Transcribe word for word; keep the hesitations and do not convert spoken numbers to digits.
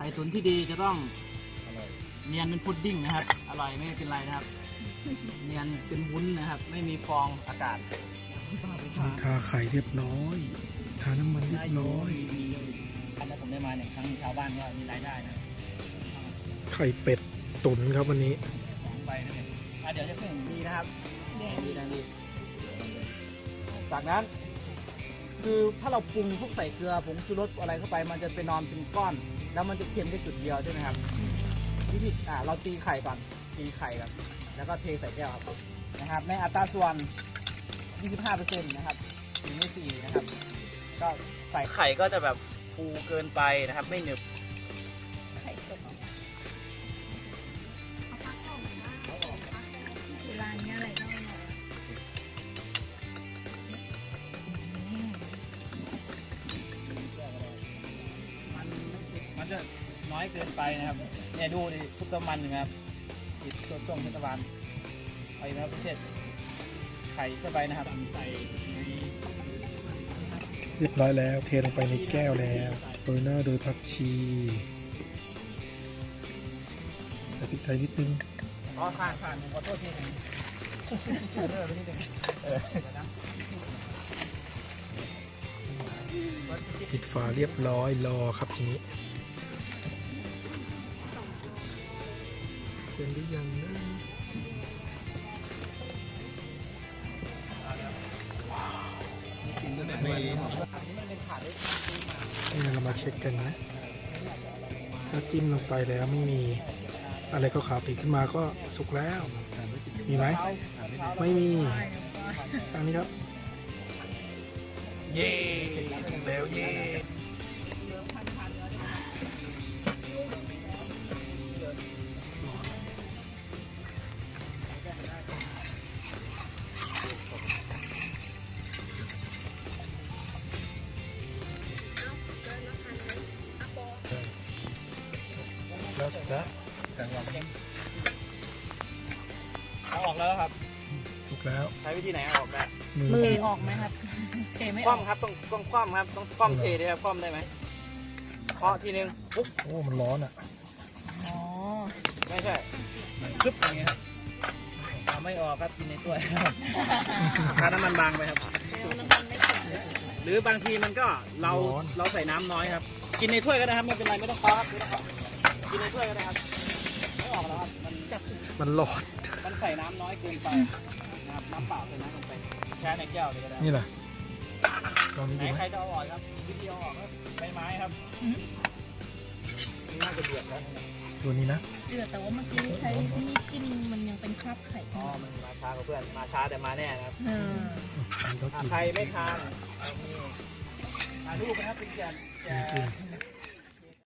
ข่ตุ๋นที่ดีจะต้องเนียนเป็นพุดดิ้งนะครับอร่อยไม่เป็นไรนะครับเนียนเป็นวุ้นนะครับไม่มีฟองอากาศทาไข่เรียบร้อยทาน้ำมันเรียบร้อยอันนั้นผมได้มาเนี่ยทั้งชาวบ้านก็มีรายได้นะไข่เป็ดตุ๋นครับวันนี้สองใบนั่นเองอ่ะเดี๋ยวจะเพิ่มดีนะครับดีดังดีจากนั้นคือถ้าเราปรุงพวกใส่เกลือผงชูรสอะไรเข้าไปมันจะไปนอนเป็นก้อน แล้วมันจะเค็มแค่จุดเดียวใช่ไหมครับวิธีอ่าเราตีไข่ก่อนตีไข่ก่อนแล้วก็เทใส่แก้วครับนะครับในอัตราส่วน ยี่สิบห้าเปอร์เซ็นต์ นะครับหนึ่งในสี่นะครับก็ใส่ไข่ก็จะแบบฟูเกินไปนะครับไม่หนึบไข่สดเวลานี้อะไรก็อร่อยอืมมันมันจะน้อยเกินไปนะครับเนี่ยดูดิชุบน้ำมันนะครับติดตัวช่วงเทศบาลไปนะครับเช่นไข่เข้าไปนะครับใส่ในเรียบร้อยแล้วเทลงไปในแก้วแล้วโรยหน้าโดยผักชีใส่พริกไทยนิดนึงอ๋อผ่านผ่านขอโทษทีหนึ่งเออไปนิดนึงเออปิดฝาเรียบร้อยรอครับทีนี้เสร็จหรือยังนะนี่เรามาเช็คกันนะถ้าจิ้มลงไปแล้วไม่มีอะไรขาวๆติดขึ้นมาก็สุกแล้ว มีไหมไม่มีทางนี้ครับเย่ถูกแล้วเย่แล้วสุดแล้วเอาออกแล้วครับสุกแล้วใช้วิธีไหนเอาออกได้มือออกไหมครับเทไม่คออกว่ำครับต้องต้องคว่ำครับต้องคว่ำเทด้วยครับคว่ำได้ไหมเคาะทีนึงปุ๊บโอ้มันร้อนอ่ะอ๋อไม่ใช่ซึบอย่างเงี้ยครับเอาไม่ออกครับกินในถ้วยครับทาน้ำมันบางไปครับเซลล์น้ำมันไม่ถึงหรือบางทีมันก็เราร้อนเราใส่น้ำน้อยครับ กินในถ้วยก็ได้ครับไม่เป็นไรไม่ต้องเคาะครับไม่ต้องเคาะกินในถ้วยก็ได้ครับไม่ออกแล้วครับมันจับมันร้อนมันใส่น้ำน้อยเกินไปนะครับน้ำเปล่าใส่น้ำลงไปแช่ในแก้วเลยก็ได้นี่แหละลองนี้ไหนดูไหมใครจะเอาออกครับวิธีเอาออกครับใบไม้ครับนี่น่าจะเดือดแล้วตัวนี้นะเดือดแต่ว่าเมื่อกี้ใช้มีดจิ้มมันยังเป็นคราบไข่อ๋อมันมาช้ากับเพื่อนมาช้าแต่มาแน่นะครับเอออันนี้ก็อ่ะกินใครไม่ทานเอานี่ถ่ายรูปนะครับเป็นแกนแกกิน